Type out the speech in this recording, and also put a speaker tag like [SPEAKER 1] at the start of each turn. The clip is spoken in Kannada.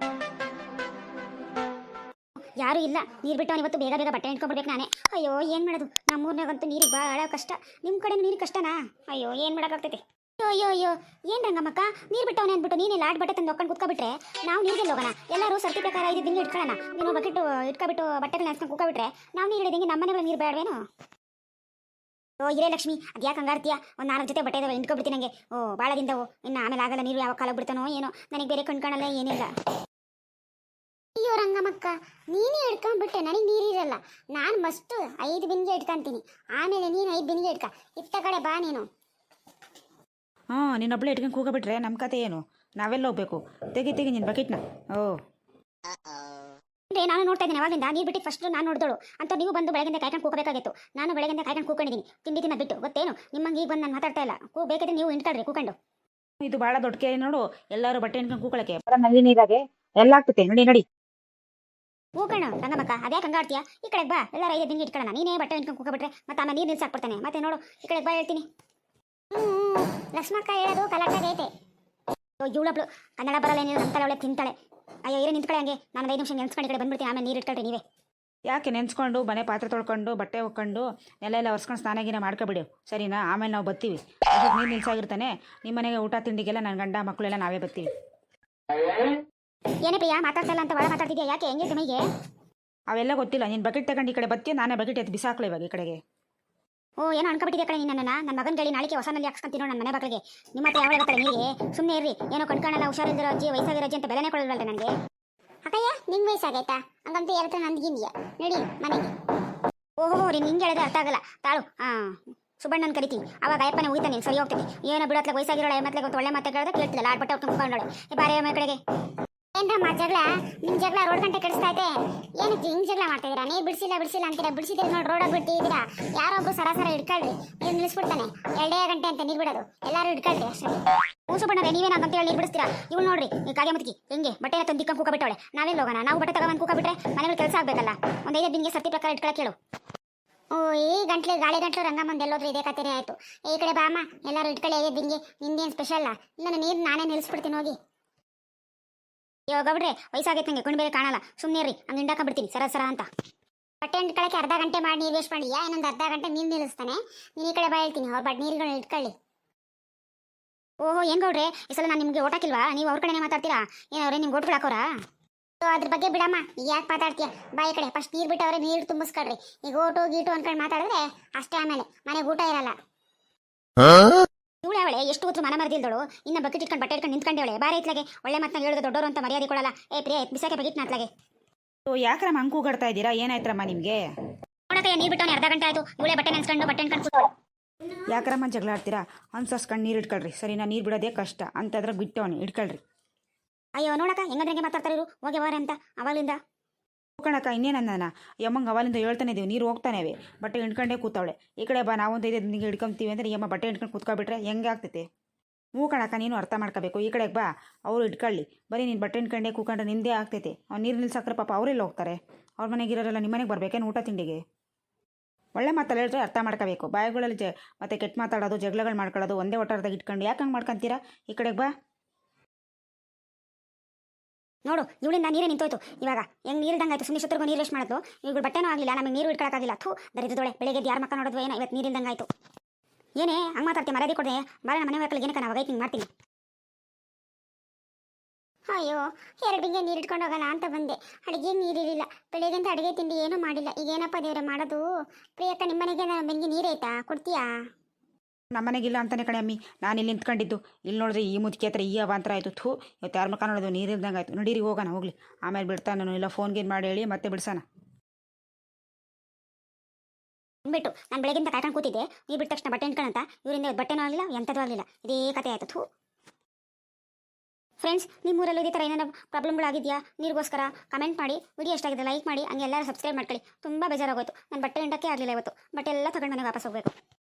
[SPEAKER 1] ಯಾರು ಇಲ್ಲ, ನೀರು ಬಿಟ್ಟು ಇವತ್ತು ಬೇಗ ಬೇಗ ಬಟ್ಟೆ ಇಟ್ಕೊಂಡ್ಬಿಡ್ಬೇಕು ನಾನೇ. ಅಯ್ಯೋ ಏನು ಮಾಡೋದು, ನಮ್ಮೂರ್ನಾಗಂತೂ ನೀರಿಗೆ ಭಾಳ ಕಷ್ಟ. ನಿಮ್ಮ ಕಡೆ ನೀರಿಗೆ ಕಷ್ಟನಾ? ಅಯ್ಯೋ ಏನು ಮಾಡೋಕ್ಕಾಗ್ತೈತೆ. ಅಯ್ಯೋ ಅಯ್ಯೋ ಅಯ್ಯೋ ಏನು ರಂಗಮ್ಮಕ್ಕ, ನೀರು ಬಿಟ್ಟವನೇ ಅಂದ್ಬಿಟ್ಟು ನೀನು ಲಾಟ್ ಬಟ್ಟೆ ತಂದು ಒಕ್ಕೊಂಡು ಕೂತ್ಕೊಬಿಟ್ರೆ ನಾವು ನೀರಿಗೆ ಹೋಗೋಣ. ಎಲ್ಲರೂ ಸರ್ತಿ ಪ್ರಕಾರ ಇದು ದಿನ ಇಟ್ಕೊಳ್ಳೋಣ. ನೀನು ಬಕೆಟ್ ಇಟ್ಕೊಬಿಟ್ಟು ಬಟ್ಟೆಗಳನ್ನ ನೆನೆಸ್ಕೊಂಡು ಕೂತ್ಕೊಬಿಟ್ರೆ ನಾವು ನೀರು ಹಿಡಿದಂಗೆ ನಮ್ಮ ಮನೆಗಳ ನೀರು ಬೇಡವೇನು? ಓ ಇರೇ ಲಕ್ಷ್ಮಿ, ಅದು ಯಾಕೆ ಹಂಗಾರ್ತೀಯ? ಒಂದು 4 ಜೊತೆ ಬಟ್ಟೆ ಇದಾವೆ, ಇಂಟ್ಕೊಬಿಡ್ತೀನಿ ನನಗೆ. ಓ ಭಾಳ ದಿನದವು, ಇನ್ನು ಆಮೇಲೆ ಆಗಲ್ಲ. ನೀರು ಯಾವ ಕಾಲ ಬಿಡ್ತಾನೋ ಏನೋ, ನನಗೆ ಬೇರೆ ಕಣ್ಕಾಣಲ್ಲ ಏನಿಲ್ಲ. ಅಯ್ಯೋ ರಂಗಮ್ಮಕ್ಕ, ನೀನೇ ಇಟ್ಕೊಂಡ್ಬಿಟ್ಟೆ, ನನಗೆ ನೀರಿರಲ್ಲ. ನಾನು ಮಸ್ತು 5 ಬಿನ್ಗೆ ಇಟ್ಕೊಂತೀನಿ, ಆಮೇಲೆ ನೀನು 5 ಬಿನ್ಗೆ ಇಟ್ಕ. ಇತ್ತ ಕಡೆ ಬಾ ನೀನು.
[SPEAKER 2] ನೀನೊಬ್ಳೆ ಇಟ್ಕೊಂಡು ಕೂಗಬಿಟ್ರೆ ನಮ್ಮ ಕತೆ ಏನು? ನಾವೆಲ್ಲ ಹೋಗ್ಬೇಕು? ತೆಗಿ ನಿನ್ನ ಬಕೆಟ್ನ.
[SPEAKER 1] ಅಂದ್ರೆ ನಾನು ನೋಡ್ತಾ ಇದ್ದೀನಿ ಅವಾಗಿಂದ, ನೀರು ಬಿಟ್ಟು ಫಸ್ಟ್ ನಾನು ನೋಡಿದಳು ಅಂತ. ನೀವು ಬಂದು ಬೆಳಗಿಂದ ಕಾಯ್ಕೊಂಡು ಕೂಗಬೇಕಾಗಿತ್ತು. ನಾನು ಬೆಳಗಿಂದ ಕಾಯ್ಕೊಂಡು ಕೂಕೊಂಡಿದ್ದೀನಿ, ತಿಂಡಿ ತಿನ್ನ ಬಿಟ್ಟು. ಗೊತ್ತೇನು ನಿಮ್ಮಂಗೆ ಈಗ ಬಂದು ನಾನು ಮಾತಾಡ್ತಾ ಇಲ್ಲ. ಬೇಕಿದ್ರೆ ನೀವು ಇಂಟ್ಕೊಳ್ರಿ ಕೂಕೊಂಡು.
[SPEAKER 2] ಇದು ಭಾಳ ದೊಡ್ಡ ಕೇಳಿ ನೋಡು, ಎಲ್ಲರೂ ಬಟ್ಟೆ ಇಟ್ಕೊಂಡು ಕೂಕೊಳ್ಳಕ್ಕೆ ನಲ್ಲಿ ನೀರಾಗೆ ಎಲ್ಲ ಆಗ್ತೈತೆ. ನಡಿ
[SPEAKER 1] ಕೂಕಣ ರಂಗಮ್ಮಕ್ಕ, ಅದ್ಯಾಕೆ ಹಂಗಾಡ್ತೀಯ? ಈ ಕಡೆಗೆ ಬಾ, ಎಲ್ಲರೂ 5 ದಿನ ಇಟ್ಕೊಳ್ಳೋಣ. ನೀನೇ ಬಟ್ಟೆ ಇಟ್ಕೊಂಡು ಕೂಗಬಿಟ್ರೆ ಮತ್ತೆ ಆಮೇಲೆ ನೀರು ನಿಲ್ಸಾಕ್ಬಿಡ್ತಾನೆ. ಮತ್ತೆ ನೋಡು, ಈ ಕಡೆಗೆ ಬಾ ಹೇಳ್ತೀನಿ. ಲಕ್ಷ್ಮಕ್ಕ ಹೇಳೋದು ಕಲಾಟಾಗೈತೆ. ಇವಳಬ್ಳು ಕನ್ನಡ ಬರಲ್ಲ, ಏನಿಲ್ಲ ಅಂತಾಳೆ, ಅವಳೆ ತಿಂತಾಳೆ. ಅಯ್ಯೋ ಇರೋ ನಿಂತ್ಕೊಳ್ಳಿ ಹಂಗೆ. ನಾನು 5 ನಿಮಿಷ ನೆನ್ಸ್ಕೊಂಡು ಈ ಕಡೆ ಬಂದ್ಬಿಡ್ತೀನಿ, ಆಮೇಲೆ ನೀರು ಇಟ್ಕೊಳ್ರಿ ನೀವೇ.
[SPEAKER 2] ಯಾಕೆ ನೆನೆಸ್ಕೊಂಡು ಮನೆ ಪಾತ್ರೆ ತೊಳ್ಕೊಂಡು ಬಟ್ಟೆ ಹೊಕ್ಕೊಂಡು ಎಲ್ಲ ಒರೆಸ್ಕೊಂಡು ಸ್ನಾನಗಿನ ಮಾಡ್ಕೊಬಿಡಿ, ಸರಿನಾ? ಆಮೇಲೆ ನಾವು ಬರ್ತೀವಿ. ಅದಕ್ಕೆ ನೀರು ನಿಲ್ಸಾಗಿರ್ತಾನೆ. ನಿಮ್ಮ ಮನೆಗೆ ಊಟ ತಿಂಡಿಗೆಲ್ಲ ನನ್ನ ಗಂಡ ಮಕ್ಕಳೆಲ್ಲ ನಾವೇ ಬರ್ತೀವಿ.
[SPEAKER 1] ಏನೇ ಪ್ರಿಯಾ ಮಾತಾಡ್ತಾ ಇಲ್ಲ ಅಂತ ಒಳ ಮಾತಾಡ್ತಿದ್ಯಾ? ಯಾಕೆ ಹೆಂಗೆ ಮೈಗೆ?
[SPEAKER 2] ಅವೆಲ್ಲ ಗೊತ್ತಿಲ್ಲ. ನೀನು ಬಕೆಟ್ ತಗೊಂಡು ಈ ಕಡೆ ಬರ್ತೀಯ, ನಾನೇ ಬಕೆಟ್ ಎತ್ತು ಬಿಸಾಕ್ಲ ಇವಾಗ ಈ ಕಡೆಗೆ.
[SPEAKER 1] ಓ ಏನೋ ಅನ್ಕೊಬಿಟ್ಟಿದ್ಯಾ ಕಡೆ ನೀನು. ನನ್ನ ಮಗನ ಗಳಿ ನಾಳೆಗೆ ಹೊಸನಲ್ಲಿ ಹಾಕ್ಸ್ಕೊಂತೀನೋ ನನ್ನ ಮನೆ ಬಾಗಿಲಿಗೆ. ನಿಮ್ಮ ಹತ್ರ ಯಾವ ಗೊತ್ತಲ್ಲ ನೀರಿಗೆ? ಸುಮ್ಮನೆ ಇರ್ರಿ. ಏನೋ ಕಣ್ಕಾಣಲ್ಲ, ಹುಷಾರಿಲ್ದಿರೋ ಅಜ್ಜಿ, ವಯಸ್ಸಾಗಿರೋ ಅಜ್ಜಿ ಅಂತ ಬೆಲೆನೇ ಕೊಡಲ್ವಲ್ಲ ನನಗೆ. ಅಕ್ಕಯ್ಯ ನಿಂಗೆ ವಯಸ್ಸಾಗೈತಾ? ಹಂಗಂತ ಹೇಳ್ತಾ ನಂದಿಗಿಂದ್ಯಾ? ನಡಿ ಮನೆಗೆ. ಓಹೋ ರೀ, ನಿಂಗೆ ಹೇಳಿದ್ರೆ ಅರ್ಥ ಆಗಲ್ಲ. ತಾಳು ಸುಬ್ಬಣ್ಣನ ಕರಿತೀನಿ, ಅವಾಗ ಅಯ್ಯಪ್ಪನೇ ಹೋಗ್ತಾನೆ, ಸರಿ ಹೋಗ್ತೈತಿ. ಏನೋ ಬಿಡತ್ಲೆ ವಯಸ್ಸಾಗಿರೋಳೆ ಮತ್ತೆ ಒಳ್ಳೆ ಮಾತೆ ಕೇಳಿದ್ರೆ ಕೇಳ್ತಿಲ್ಲ. ಆಡ್ಬಟ್ಟೆ ಹೊತ್ತು ಮುಖಂಡೋಳೆ ಬಾರಿ ಮನೆ ಕಡೆಗೆ. ಏನ್ರಮ್ಮ ಜಗಳ? ನಿಮ್ಮ ಜಗಳ ರೋಡ್ ಗಂಟೆ ಕೆಡಿಸ್ತೈತೆ. ಏನಕ್ಕೆ ಹಿಂಗೆ ಜಗಳ ಮಾಡ್ತಾ ಇದೀರಾ? ನೀರು ಬಿಡಿಸಿಲ್ಲ ಅಂತೀರಾ. ಬಿಡಿಸಿದ್ರೆ ನೋಡಿ ರೋಡಾಗಿ ಬಿಟ್ಟಿದ್ದೀರಾ. ಯಾರೊಬ್ಬರು ಸರಾಸರ ಇಟ್ಕೊಳ್ರಿ, ನೀರು ನಿಲ್ಲಿಸ್ಬಿಡ್ತಾನೆ. 2 ಗಂಟೆ ಅಂತ ನೀರು ಬಿಡೋದು. ಎಲ್ಲರೂ ಇಟ್ಕೊಳ್ರಿ ಅಷ್ಟೇ. ಹೂಸು ಬಣ್ಣರೆ ನೀವೇನಾಗಂತ ಹೇಳಿ ನೀರು ಬಿಡಿಸ್ತೀರಾ? ಇವ್ನು ನೋಡ್ರಿ, ಈ ಕಾಗೆ ಮುತ್ಕಿ ಹೆಂಗೆ ಬಟ್ಟೆನ ತಂದಿಕ್ಕ ಕೂಕಬಿಟ್ಟವಳೆ. ನಾವೆಲ್ಲ ಹೋಗೋಣ? ನಾವು ಬಟ್ಟೆ ತಗೊಂಡು ಕೂಕಬಿಟ್ರೆ ಮನೆಗಳು ಕೆಲಸ ಆಗಬೇಕಲ್ಲ. ಒಂದು 5 ದಿನಕ್ಕೆ ಸರ್ತಿ ಪ್ರಕಾರ ಇಟ್ಕೊಳಕ್ಕೆ ಹೇಳು. ಓ ಈ ಗಂಟ್ಲು ಗಾಳಿ ಗಂಟ್ಲು ರಂಗಮ್ಮಂದು ಎಲ್ಲೋದ್ರೂ ಇದೇ ಕತೆನೇ ಆಯಿತು. ಈ ಕಡೆ ಬಾಮ್ಮ, ಎಲ್ಲರೂ ಇಟ್ಕೊಳ್ಳಿ 5 ದಿನಗೆ. ನಿಂದೇನು ಸ್ಪೆಷಲ್ಲ? ಇಲ್ಲ ನೀರು ನಾನೇ ನಿಲ್ಲಿಸ್ಬಿಡ್ತೀನಿ ಹೋಗಿ. ಇವಾಗ ಬಿಡ್ರೆ ವಯಸ್ಸಾಗೈತೆ ನಂಗೆ, ಕೊಂಡು ಬೇರೆ ಕಾಣಲ್ಲ. ಸುಮ್ಮನೆ ರೀ, ಹಂಗೆ ಹಿಂಡಾಕೊಂಡ್ಬಿಡ್ತೀನಿ ಸರ ಅಂತ. ಬಟ್ಟೆ ಇಟ್ಕೊಳ್ಳೋಕೆ ಅರ್ಧ ಗಂಟೆ ಮಾಡಿ ನೀರು ವೇಸ್ಟ್ ಮಾಡಿ, ಇನ್ನೊಂದು ಅರ್ಧ ಗಂಟೆ ನೀರು ನಿಲ್ಲಿಸ್ತಾನೆ. ನೀನು ಈ ಕಡೆ ಬಾ ಹೇಳ್ತೀನಿ, ಅವ್ರ ಬಟ್ ನೀರುಗಳನ್ನ ಇಟ್ಕೊಳ್ಳಿ. ಓಹೋ ಏನು ಗೌಡ್ರೆ, ಈ ಸಲ ನಾನು ನಿಮಗೆ ಓಟ್ ಹಾಕಿಲ್ವಾ? ನೀವು ಅವ್ರ ಕಡೆನೇ ಮಾತಾಡ್ತೀರಾ? ಏನವ್ರೆ ನಿಮ್ಗೆ ಓಟ್ಗಳು ಹಾಕೋರಾ? ಅದ್ರ ಬಗ್ಗೆ ಬಿಡಮ್ಮ, ಈಗ ಯಾಕೆ ಮಾತಾಡ್ತೀಯ? ಬಾ ಈ ಕಡೆ. ಫಸ್ಟ್ ನೀರು ಬಿಟ್ಟವ್ರೆ ನೀರು ತುಂಬಿಸ್ಕೊಳ್ರಿ. ಈಗ ಓಟು ಗೀಟು ಅನ್ಕೊಂಡು ಮಾತಾಡಿದ್ರೆ ಅಷ್ಟೇ, ಆಮೇಲೆ ಮನೆಗೆ ಊಟ ಇರಲ್ಲ. ಇವಳು ಅವಳೆ ಎಷ್ಟು ಹೊತ್ತು ಮನ ಮರದಿಲ್ದಳು, ಇನ್ನು ಬಕೆಟ್ ಇಟ್ಕೊಂಡು ಬಟ್ಟೆ ಇಟ್ಕೊಂಡು ನಿಂತ್ಕೊಂಡವಳೆ. ಬಾರಿ ಇತ್ಲಾಗೆ ಒಳ್ಳೆ ಮಾತನ್ನ ಹೇಳಿದ್ರು ದೊಡ್ಡವರು ಅಂತ ಮರ್ಯಾದೆ ಕೊಡಲ್ಲ. ಪ್ರಿಯ ಬಿಸಾಕೆ ಬಕೆಟ್ ನಾತ್ಲಾಗೆ.
[SPEAKER 2] ಯಾಕ್ರಮ್ಮ ಹಂಗೆ ಕೂಗಾಡ್ತಾ ಇದ್ದೀರಾ? ಏನಾಯ್ತ್ರಮ್ಮ ನಿಮಗೆ?
[SPEAKER 1] ನೋಡಕ್ಕೆ ನೀರು ಬಿಟ್ಟವನೇ ಅರ್ಧ ಗಂಟೆ ಆಯಿತು. ಇವಳೆ ಬಟ್ಟೆ ನೆನ್ಸ್ಕೊಂಡು ಬಟ್ಟೆ ಇಟ್ಕೊಂಡು
[SPEAKER 2] ಯಾಕ್ರಮ್ಮ ಜಗಳ ಆಡ್ತೀರಾ? ಅನ್ಸಸ್ಕೊಂಡು ನೀರು ಇಟ್ಕೊಳ್ರಿ, ಸರಿನಾ? ನೀರು ಬಿಡೋದೇ ಕಷ್ಟ ಅಂತಂದ್ರೆ ಬಿಟ್ಟವನಿ ಇಟ್ಕೊಳ್ರಿ.
[SPEAKER 1] ಅಯ್ಯೋ ನೋಡಕ್ಕ ಹೆಂಗಂದ್ರೆ ಮಾತಾಡ್ತಾರೆ ಇವರು, ಹೋಗಿ ವಾರ ಅಂತ ಅವಾಗಲಿಂದ.
[SPEAKER 2] ಕಣಕ್ಕ ಇನ್ನೇನಂದಾನ ಯಮ್ಮಂಗೆ ಅವಲಿಂದ ಹೇಳ್ತಾನೆ ಇದೀವಿ, ನೀರು ಹೋಗ್ತಾನೇವೆ, ಬಟ್ಟೆ ಇಟ್ಕೊಂಡೇ ಕೂತವಳೆ. ಈ ಕಡೆ ಬಾ, ನಾವೊಂದು 5 ದಿನಕ್ಕೆ ಹಿಡ್ಕೊಂತೀವಿ ಅಂದರೆ ಯಮ್ಮ ಬಟ್ಟೆ ಇಟ್ಕೊಂಡು ಕೂತ್ಕೊಬಿಟ್ರೆ ಹೆಂಗೆ ಆಗ್ತೈತೆ? ಕಣಕ್ಕ ನೀನು ಅರ್ಥ ಮಾಡ್ಕೋಬೇಕು. ಈ ಕಡೆಗೆ ಬಾ, ಅವರು ಇಟ್ಕೊಳ್ಳಿ. ಬರೀ ನೀನು ಬಟ್ಟೆ ಇಟ್ಕೊಂಡೇ ಕೂತ್ಕೊಂಡ್ರೆ ನಿಂದೇ ಆಗ್ತೈತೆ. ಅವ್ನು ನೀರು ನಿಲ್ಸಾಕ್ರೆ ಪಾಪ ಅವರೆಲ್ಲ ಹೋಗ್ತಾರೆ. ಅವ್ರ ಮನೆಗೆ ಇರೋರೆಲ್ಲ ನಿಮ್ಮ ಮನೆಗೆ ಬರ್ಬೇಕೇನು ಊಟ ತಿಂಡಿಗೆ? ಒಳ್ಳೆ ಮಾತಲ್ಲ ಹೇಳಿದ್ರೆ ಅರ್ಥ ಮಾಡ್ಕೋಬೇಕು. ಬಾಯಿಗಳಲ್ಲಿ ಮತ್ತೆ ಕೆಟ್ಟ ಮಾತಾಡೋದು, ಜಗಳಗಳು ಮಾಡ್ಕೊಳ್ಳೋದು ಒಂದೇ ಒಟ್ಟಾರದಾಗ ಇಟ್ಕೊಂಡು ಯಾಕೆ ಹಂಗೆ ಮಾಡ್ಕೊತೀರಾ? ಈ ಕಡೆಗೆ ಬಾ.
[SPEAKER 1] ನೋಡು, ಇವಳಿಂದ ನೀರೇ ನಿಂತೋಯ್ತು. ಇವಾಗ ಹೆಂಗೆ ನೀರಿಲ್ದಂಗೆ ಆಯ್ತು. ಸುಮ್ಮನೆ ಶತ್ರುಗೂ ನೀರು ವೇಸ್ಟ್ ಮಾಡೋದು. ಇವ್ಗಳು ಬಟ್ಟೆನೂ ಆಗಲಿಲ್ಲ, ನಮಗೆ ನೀರು ಇಟ್ಕೊಳ್ಳೋಕ್ಕಾಗಿಲ್ಲ. ದರಿದ್ರದೊಳೆ ಬೆಳಗ್ಗೆ ಯಾರು ಮಕ್ಕ ನೋಡಿದ್ವು ಏನೋ, ಇವತ್ತು ನೀರಿಲ್ದಂಗೆ ಆಯಿತು. ಏನೇ ಹಂಗೆ ಮಾತಾಡ್ತೀವಿ? ಮರ್ಯಾದೆ ಕೊಡದೆ ಬಾರ ನಮ್ಮ ಮನೆ ಮಕ್ಕಳಿಗೆ. ಏನಕ್ಕೆ ನಾವು ಹಿಂಗೆ ಮಾಡ್ತೀನಿ? ಅಯ್ಯೋ 2 ಬಿಂಗೆ ನೀರು ಇಟ್ಕೊಂಡು ಹೋಗೋಣ ಅಂತ ಬಂದೆ. ಅಡುಗೆ ನೀರಿರಲಿಲ್ಲ. ಬೆಳಗ್ಗೆಂತ ಅಡುಗೆ ತಿಂಡಿ ಏನೂ ಮಾಡಿಲ್ಲ. ಈಗ ಏನಪ್ಪ ದೇವ್ರೆ ಮಾಡೋದು? ಪ್ರಿಯಕ್ಕ ನಿಮ್ಮ ಮನೆಗೆ ಬೆಂಕಿ ನೀರೈತಾ? ಕೊಡ್ತೀಯಾ?
[SPEAKER 2] ನಮ್ಮನೆಗಿಲ್ಲ ಅಂತಾನೆ ಕಣೆ ಅಮ್ಮಿ, ನಾನು ಇಲ್ಲಿ ನಿಂತ್ಕೊಂಡಿದ್ದು. ಇಲ್ಲಿ ನೋಡಿದ್ರೆ ಈ ಮುದುಕಿ ಹತ್ರ ಈ ಅವಾಂತರ ಆಯಿತು. ಇವತ್ತು ಯಾರ ಮಕ್ಕ ನೋಡೋದು ನೀರಿಲ್ದಂಗೆ ಆಯಿತು. ನಡೀರಿ ಹೋಗೋಣ, ಹೋಗ್ಲಿ. ಆಮೇಲೆ ಬಿಡ್ತಾನು ಇಲ್ಲ, ಫೋನ್ಗೇನು ಮಾಡಿ ಹೇಳಿ ಮತ್ತೆ ಬಿಡ್ಸೋಣ.
[SPEAKER 1] ಅಂದ್ಬಿಟ್ಟು ನಾನು ಬೆಳಗ್ಗಿಂದ ಕಾಯ್ಕೊಂಡು ಕೂತಿದ್ದೆ. ನೀರು ಬಿಟ್ಟ ತಕ್ಷಣ ಬಟ್ಟೆ ಇಟ್ಕೊಳ್ಳಂತ ಇವರಿಂದ ಬಟ್ಟೆನೂ ಆಗಲಿಲ್ಲ, ಎಂಥದ್ದು ಆಗಲಿಲ್ಲ. ಇದೇ ಕತೆ ಆಯಿತು. ಫ್ರೆಂಡ್ಸ್, ನಿಮ್ಮೂರಲ್ಲೂ ಇದೇ ಥರ ಏನಾದ್ರು ಪ್ರಾಬ್ಲಮ್ಗಳಾಗಿದೆಯಾ ನೀರಿಗೋಸ್ಕರ? ಕಮೆಂಟ್ ಮಾಡಿ. ವಿಡಿಯೋ ಎಷ್ಟಾಗಿದೆ ಲೈಕ್ ಮಾಡಿ, ಹಂಗೆ ಎಲ್ಲರೂ ಸಬ್ಸ್ಕ್ರೈಬ್ ಮಾಡ್ಕೊಳ್ಳಿ. ತುಂಬ ಬೇಜಾರಾಗೋಯ್ತು. ನಾನು ಬಟ್ಟೆ ಹಿಂಡಕ್ಕೆ ಆಗಲಿಲ್ಲ ಇವತ್ತು. ಬಟ್ಟೆ ಎಲ್ಲ ತಗೊಂಡು ಮನೆಗೆ ವಾಪಸ್ ಹೋಗಬೇಕು.